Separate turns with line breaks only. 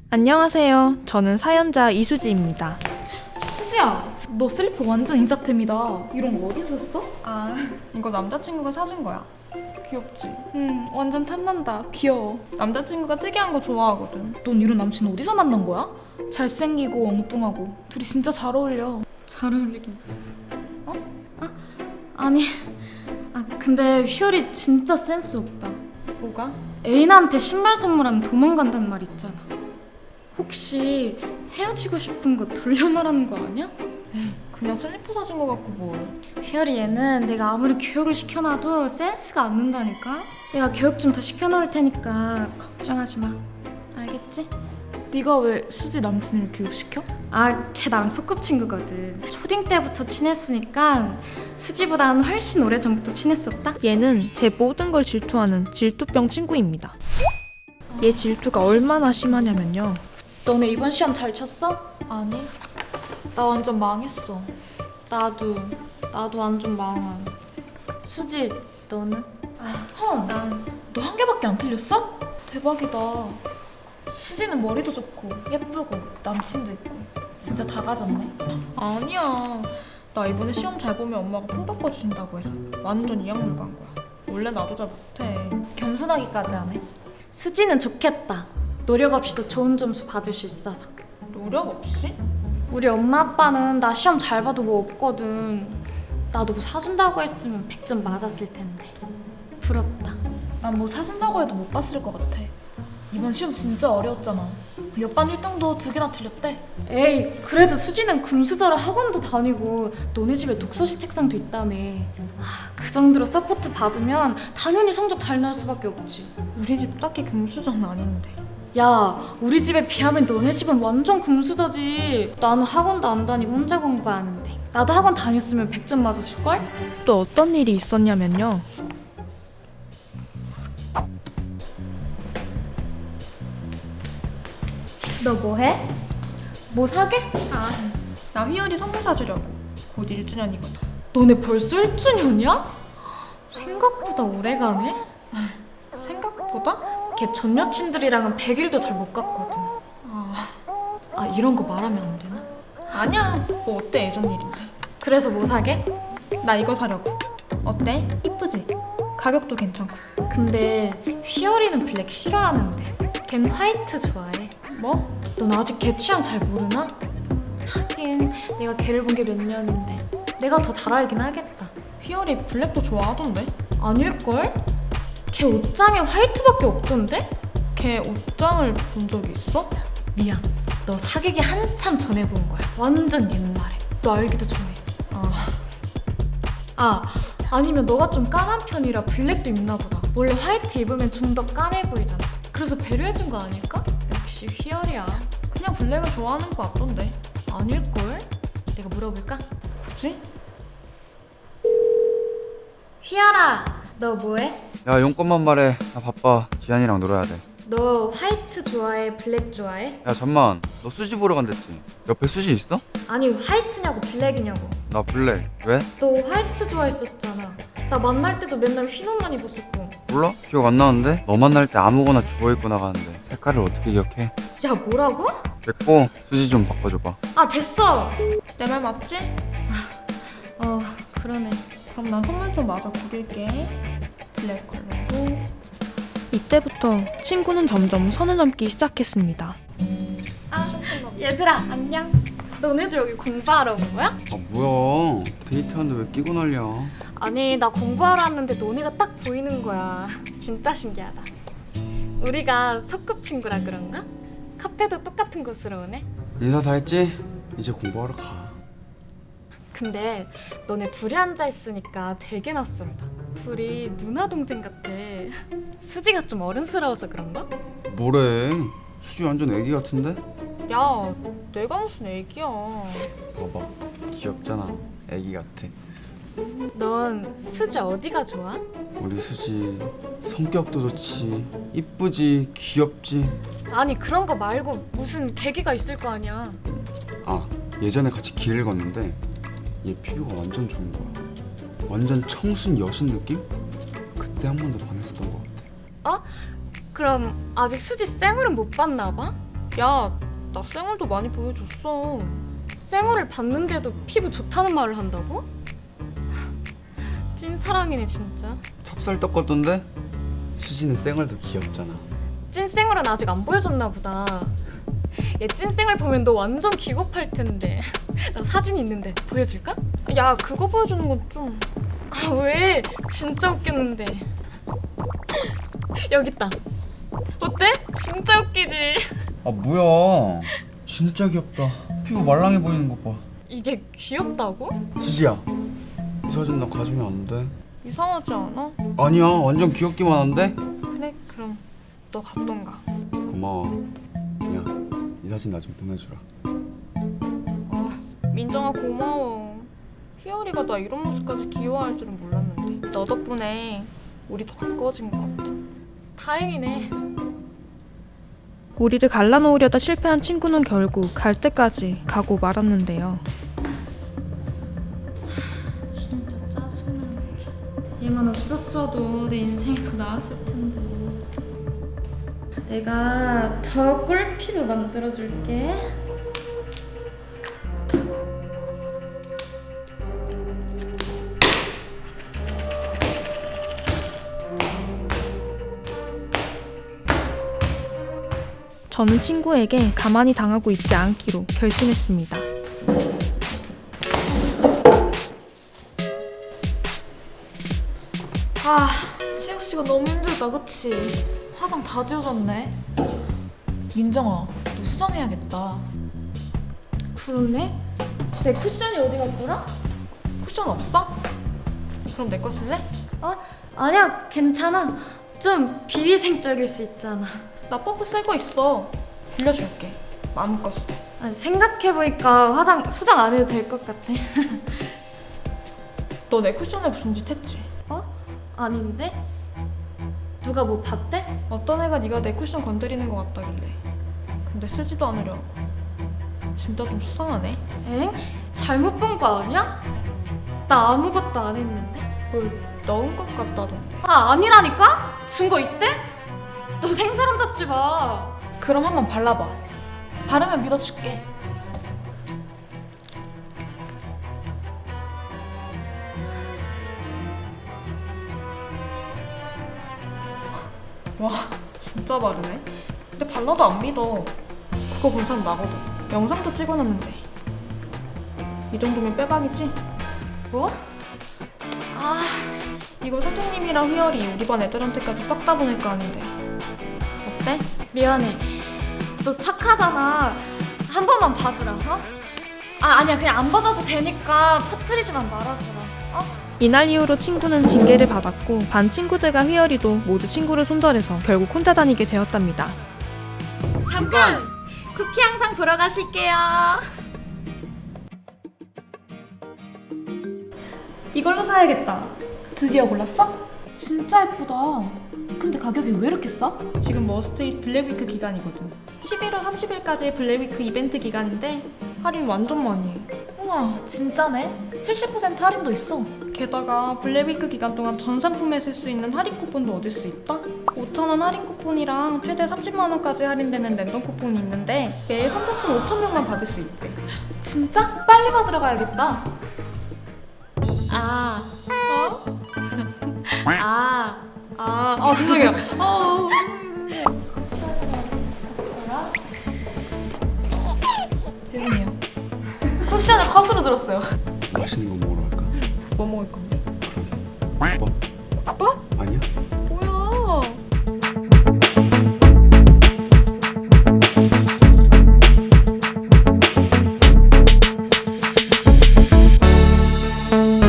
안녕하세요. 저는 사연자 이수지입니다.
수지야, 너 슬리퍼 완전 인싸템이다. 이런 거 어디서 샀어?
아, 이거 남자친구가 사준 거야. 귀엽지?
완전 탐난다. 귀여워.
남자친구가 특이한 거 좋아하거든.
넌 이런 남친 어디서 만난 거야? 잘생기고 엉뚱하고 둘이 진짜 잘 어울려.
잘 어울리긴 무슨. 아니. 근데 휘열이 진짜 센스 없다.
뭐가?
애인한테 신발 선물하면 도망간단 말 있잖아. 혹시 헤어지고 싶은 거 돌려 말하는 거 아니야?
그냥 슬리퍼 사준 거 같고 뭘.
휘열이 얘는 내가 아무리 교육을 시켜놔도 센스가 안 는다니까? 내가 교육 좀 더 시켜놓을 테니까 걱정하지 마. 알겠지?
네가 왜 수지 남친을 교육시켜?
걔 나랑 소꿉친구거든. 초딩 때부터 친했으니까 수지보다는 훨씬 오래전부터 친했었다.
얘는 제 모든 걸 질투하는 질투병 친구입니다. 얘 질투가 얼마나 심하냐면요.
너네 이번 시험 잘 쳤어?
아니, 나 완전 망했어.
나도 완전 망함. 수지, 너는?
헐,
난
너 한 개밖에 안 틀렸어? 대박이다. 수지는 머리도 좋고 예쁘고 남친도 있고 진짜 다 가졌네.
아니야. 나 이번에 시험 잘 보면 엄마가 폰 바꿔주신다고 해서 완전 이악물고 간 거야. 원래 나도 잘 못해.
겸손하기까지 하네.
수지는 좋겠다. 노력 없이도 좋은 점수 받을 수 있어서.
노력 없이?
우리 엄마 아빠는 나 시험 잘 봐도 뭐 없거든. 나도 뭐 사준다고 했으면 100점 맞았을 텐데. 부럽다.
난 뭐 사준다고 해도 못 봤을 것 같아. 이번 시험 진짜 어려웠잖아. 옆반 1등도 2개나 틀렸대.
에이, 그래도 수지는 금수저라 학원도 다니고 너네 집에 독서실 책상도 있다며. 그 정도로 서포트 받으면 당연히 성적 잘 나올 수밖에 없지.
우리 집 딱히 금수저는 아닌데.
야, 우리 집에 비하면 너네 집은 완전 금수저지. 나는 학원도 안 다니고 혼자 공부하는데. 나도 학원 다녔으면 100점 맞았을걸?
또 어떤 일이 있었냐면요.
너 뭐해? 뭐 사게?
나 휘열이 선물 사주려고. 곧 1주년이거든.
너네 벌써 1주년이야? 생각보다 오래가네?
생각보다?
걔 전 여친들이랑은 100일도 잘 못 갔거든. 이런 거 말하면 안 되나?
아니야. 뭐 어때, 예전 일인데.
그래서 뭐 사게?
나 이거 사려고. 어때? 이쁘지? 가격도 괜찮고.
근데 휘열이는 블랙 싫어하는데 걘 화이트 좋아해.
뭐?
넌 아직 걔 취향 잘 모르나? 하긴 내가 걔를 본 게 몇 년인데 내가 더 잘 알긴 하겠다.
휘열이 블랙도 좋아하던데?
아닐걸? 걔 옷장에 화이트밖에 없던데?
걔 옷장을 본 적이 있어?
미안, 너 사귀기 한참 전에 본 거야. 완전 옛날에. 너 알기도 전에. 아니면 너가 좀 까만 편이라 블랙도 입나 보다. 원래 화이트 입으면 좀 더 까매 보이잖아. 그래서 배려해준 거 아닐까? 역시 휘열이야.
그냥 블랙을 좋아하는 거 같던데.
아닐걸? 내가 물어볼까?
그치?
휘열아, 너 뭐해?
야 용건만 말해. 나 바빠. 지한이랑 놀아야 돼.
너 화이트 좋아해? 블랙 좋아해?
야 잠만. 너 수지 보러 간댔지? 옆에 수지 있어?
아니 화이트냐고 블랙이냐고.
나 블랙. 왜?
너 화이트 좋아했었잖아. 나 만날 때도 맨날 흰 옷만 입었었고.
몰라? 기억 안 나는데? 너 만날 때 아무거나 주워 입고 나가는데 색깔을 어떻게 기억해?
야, 뭐라고?
됐고 수지 좀 바꿔줘봐.
됐어.
내 말 맞지?
그러네.
그럼 난 선물 좀 마저 고를게. 블랙 컬러고. 이때부터 친구는 점점 선을 넘기 시작했습니다.
얘들아, 안녕. 너네들 여기 공부하러 온 거야?
뭐야? 데이트하는데 왜 끼고 난리야?
아니, 나 공부하러 왔는데 너네가 딱 보이는 거야. 진짜 신기하다. 우리가 소꿉친구라 그런가? 카페도 똑같은 곳으로 오네.
인사 다 했지? 이제 공부하러 가.
근데 너네 둘이 앉아 있으니까 되게 낯설다. 둘이 누나 동생 같아. 수지가 좀 어른스러워서 그런가?
뭐래? 수지 완전 애기 같은데?
야, 내가 무슨 애기야.
봐봐. 귀엽잖아. 애기 같아.
넌 수지 어디가 좋아?
우리 수지 성격도 좋지. 이쁘지. 귀엽지.
아니, 그런 거 말고 무슨 계기가 있을 거 아니야.
예전에 같이 길을 걷는데 얘 피부가 완전 좋은 거야. 완전 청순 여신 느낌? 그때 한 번 더 반했었던 것 같아.
그럼 아직 수지 쌩얼은 못 봤나 봐?
야, 나 쌩얼도 많이 보여줬어.
쌩얼을 봤는데도 피부 좋다는 말을 한다고? 찐사랑이네 진짜.
찹쌀떡 같던데? 수지는 쌩얼도 귀엽잖아.
찐쌩얼은 아직 안 보여줬나 보다. 얘 찐쌩얼 보면 너 완전 기겁할 텐데. 나 사진 있는데 보여줄까?
야, 그거 보여주는 건 좀...
아 왜? 진짜 웃겼는데. 여기 있다. 어때? 진짜 웃기지?
아 뭐야? 진짜 귀엽다. 피부 말랑해 보이는 것 봐.
이게 귀엽다고?
수지야, 이 사진 나 가지면 안 돼?
이상하지 않아?
아니야, 완전 귀엽기만 한데?
그래, 그럼 너 갔던가.
고마워. 야, 이 사진 나 좀 보내주라.
민정아, 고마워. 희열이가 나 이런 모습까지 귀여워할 줄은 몰랐는데 너 덕분에 우리 더 가까워진 것 같아.
다행이네.
우리를 갈라놓으려다 실패한 친구는 결국 갈 때까지 가고 말았는데요.
진짜 짜증나. 얘만 없었어도 내 인생이 더 나았을 텐데. 내가 더 꿀피부 만들어줄게.
저는 친구에게 가만히 당하고 있지 않기로 결심했습니다.
아, 채영 씨가 너무 힘들다, 그치? 화장 다 지워졌네. 민정아, 너 수정해야겠다.
그렇네? 내 쿠션이 어디 갔더라?
쿠션 없어? 그럼 내 거 쓸래?
아니야, 괜찮아. 좀 비위생적일 수 있잖아.
나 퍼프 새 거 있어. 빌려줄게. 마음껏 써.
생각해보니까 화장 수정 안 해도 될 것 같아.
너 내 쿠션에 무슨 짓 했지?
아닌데? 누가 뭐 봤대?
어떤 애가 네가 내 쿠션 건드리는 것 같다길래. 근데 쓰지도 않으려 하고. 진짜 좀 수상하네.
엥? 잘못 본 거 아니야? 나 아무것도 안 했는데?
뭘 넣은 것 같다던데.
아니라니까? 증거 있대? 너 생사람 잡지 마.
그럼 한번 발라봐. 바르면 믿어줄게.
와, 진짜 바르네. 근데 발라도 안 믿어. 그거 본 사람 나거든. 영상도 찍어놨는데. 이 정도면 빼박이지?
뭐?
이거 선생님이랑 휘열이 우리 반 애들한테까지 싹 다 보낼 거 아닌데. 어때?
미안해. 너 착하잖아. 한 번만 봐주라. 아니야. 그냥 안 봐줘도 되니까 퍼뜨리지만 말아주라.
이날 이후로 친구는 징계를 받았고 반 친구들과 휘열이도 모두 친구를 손절해서 결국 혼자 다니게 되었답니다.
잠깐! 쿠키 영상 보러 가실게요.
이걸로 사야겠다.
드디어 골랐어? 진짜 예쁘다. 근데 가격이 왜 이렇게 싸?
지금 머스트잇 블랙위크 기간이거든. 11월 30일까지 블랙위크 이벤트 기간인데 할인 완전 많이 해.
우와, 진짜네. 70% 할인도 있어.
게다가 블랙위크 기간 동안 전 상품에 쓸 수 있는 할인 쿠폰도 얻을 수 있다? 5,000원 할인 쿠폰이랑 최대 30만 원까지 할인되는 랜덤 쿠폰이 있는데 매일 선착순 5,000명만 받을 수 있대.
진짜? 빨리 받으러 가야겠다.
죄송해요.
죄송해요. 쿠션을 컷으로 들었어요.
맛있는 거 먹으러 갈까?
뭐 먹을 건데?
밥? 아니야?